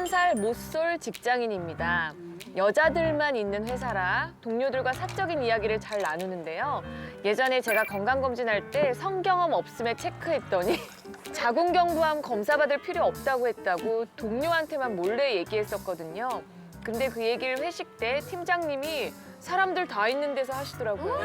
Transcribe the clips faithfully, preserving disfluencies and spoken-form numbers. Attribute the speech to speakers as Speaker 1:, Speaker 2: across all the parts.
Speaker 1: 서른 살 못쏠 직장인입니다. 여자들만 있는 회사라 동료들과 사적인 이야기를 잘 나누는데요. 예전에 제가 건강검진할 때 성경험 없음에 체크했더니 자궁경부암 검사받을 필요 없다고 했다고 동료한테만 몰래 얘기했었거든요. 근데 그 얘기를 회식 때 팀장님이 사람들 다 있는 데서 하시더라고요.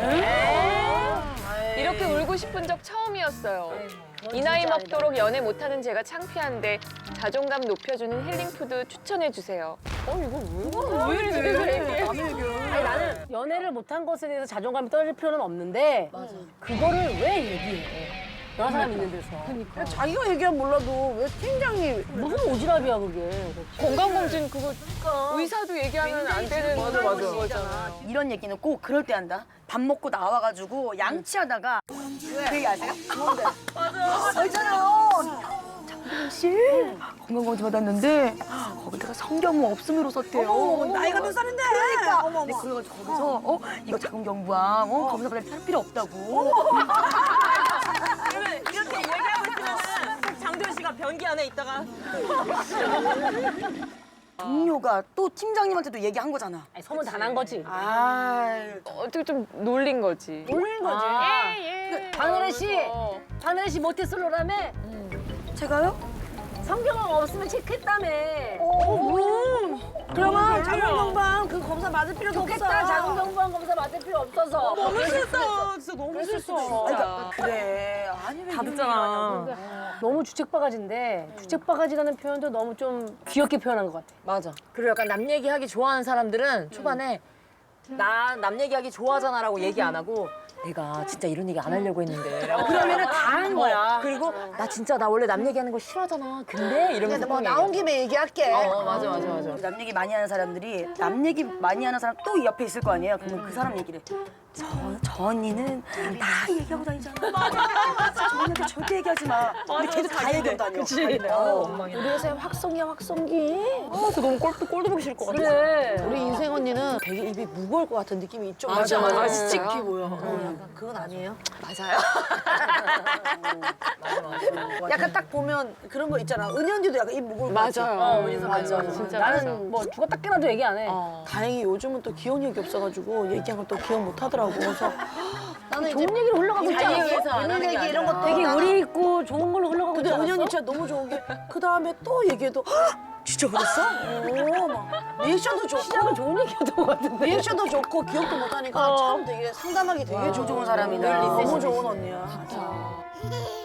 Speaker 1: 이렇게 울고 싶은 적 처음이었어요. 이 나이 먹도록 연애 못하는 제가 창피한데 자존감 높여주는 힐링푸드 추천해주세요. 어, 이거 왜, 왜 이렇게 왜
Speaker 2: 아니, 나는 연애를 못한 것에 대해서 자존감이 떨어질 필요는 없는데 그거를 왜 얘기해? 여러 사람 있는 데서.
Speaker 3: 그러니까. 자기가 얘기하면 몰라도 왜 팀장이
Speaker 2: 무슨 오지랖이야 그게.
Speaker 1: 건강검진 그거 의사도 얘기하면 안 되는 거잖아요.
Speaker 4: 이런 얘기는 꼭 그럴 때 한다. 밥 먹고 나와가지고 양치하다가 그 얘기 아세요? 뭔데? 맞아. 알잖아요. 장동민 씨 건강검진 받았는데 거기다가 성경무 없음으로 썼대요.
Speaker 3: 어머, 나이가 몇 살인데?
Speaker 4: 그러니까.
Speaker 3: 어머,
Speaker 4: 근데
Speaker 3: 어머.
Speaker 4: 그래가지고 거기서 어 이거 자궁경부암 어, 검사 받을 필요 없다고.
Speaker 5: 이렇게 얘기하고 있으면은 장도연 씨가 변기 안에 있다가
Speaker 4: 동료가 또 팀장님한테도 얘기한 거잖아.
Speaker 2: 아니, 소문 다 난 거지.
Speaker 4: 아,
Speaker 1: 어떻게 좀 놀린 거지.
Speaker 2: 놀린 거지.
Speaker 1: 예, 예.
Speaker 2: 박은혜 씨, 박은혜 씨 모태솔로라며?
Speaker 4: 제가요?
Speaker 2: 성경험 없으면 체크했다며.
Speaker 3: 그러면 자궁경부암 그 검사 맞을 필요도 없어.
Speaker 2: 좋겠다. 자궁경부암 검사 받을 필요 없어서.
Speaker 5: 너무 싫어. 진짜 너무 싫어.
Speaker 4: 그러니까 그래. 아니 왜
Speaker 5: 다
Speaker 4: 이런
Speaker 5: 듣잖아.
Speaker 4: 얘기를 하냐고.
Speaker 2: 너무 주책바가지인데 주책바가지라는 표현도 너무 좀 귀엽게 표현한 것 같아.
Speaker 6: 맞아. 그리고 약간 남 얘기하기 좋아하는 사람들은 초반에 나 남 얘기하기 좋아하잖아라고 얘기 안 하고 내가 진짜 이런 얘기 안 하려고 했는데.
Speaker 4: 그러면은 다 한 거야.
Speaker 6: 그리고 나 진짜 나 원래 남 얘기하는 거 싫어하잖아. 근데 이러면서
Speaker 3: 뭐
Speaker 6: 막
Speaker 3: 나온
Speaker 6: 얘기해.
Speaker 3: 김에 얘기할게.
Speaker 6: 어 맞아 맞아 맞아.
Speaker 4: 남 얘기 많이 하는 사람들이 남 얘기 많이 하는 사람 또 옆에 있을 거 아니에요? 그러면 그 사람 얘기를 저, 저 언니는 다 얘기하고 다니잖아. 맞아, 맞아. 저 언니한테 절대 얘기하지 마. 근데 계속 다 얘기하고 다녀. 그치. 어.
Speaker 3: 우리 회사에 확성기야, 확성기.
Speaker 1: 아, 저 너무 꼴, 꼴도 보기 싫을 것 같아.
Speaker 2: 그래.
Speaker 3: 우리 인생 언니는 되게 입이 무거울 것 같은 느낌이 있죠.
Speaker 1: 맞아, 맞아.
Speaker 3: 씩씩해 보여. 어, 약간 그건 아니에요?
Speaker 1: 맞아요.
Speaker 3: 약간 딱 보면 그런 거 있잖아. 은희 언니도 약간 입 무거울 것 같아.
Speaker 1: 맞아요.
Speaker 3: 어,
Speaker 1: 맞아,
Speaker 3: 맞아.
Speaker 1: 맞아. 진짜
Speaker 2: 나는
Speaker 1: 맞아.
Speaker 2: 뭐 죽었다 깨나도 얘기 안 해.
Speaker 1: 어.
Speaker 3: 다행히 요즘은 또 귀여운 얘기 없어가지고 얘기한 걸 또 기억 못 하더라고. 그래서 나는
Speaker 2: 좋은 얘기로 흘러가고 있지
Speaker 3: 자기
Speaker 2: 않았어?
Speaker 3: 얘기해서 안 하는 얘기 이런 것도
Speaker 2: 되게
Speaker 3: 나는-
Speaker 2: 의리 있고 좋은 걸로 흘러가고
Speaker 3: 근데
Speaker 2: 있지 않았어?
Speaker 3: 은희 언니 진짜 너무 좋은 게 그 다음에 또 얘기해도 "헉, 진짜 그랬어? 오, 막 리액션도 좋고
Speaker 2: 시작은 좋은 얘기였던 것 같은데.
Speaker 3: 리액션도 좋고 기억도 못하니까 참 되게 상담하기 되게 좋은
Speaker 4: 좋은 사람이다.
Speaker 3: 너무 좋은 언니야.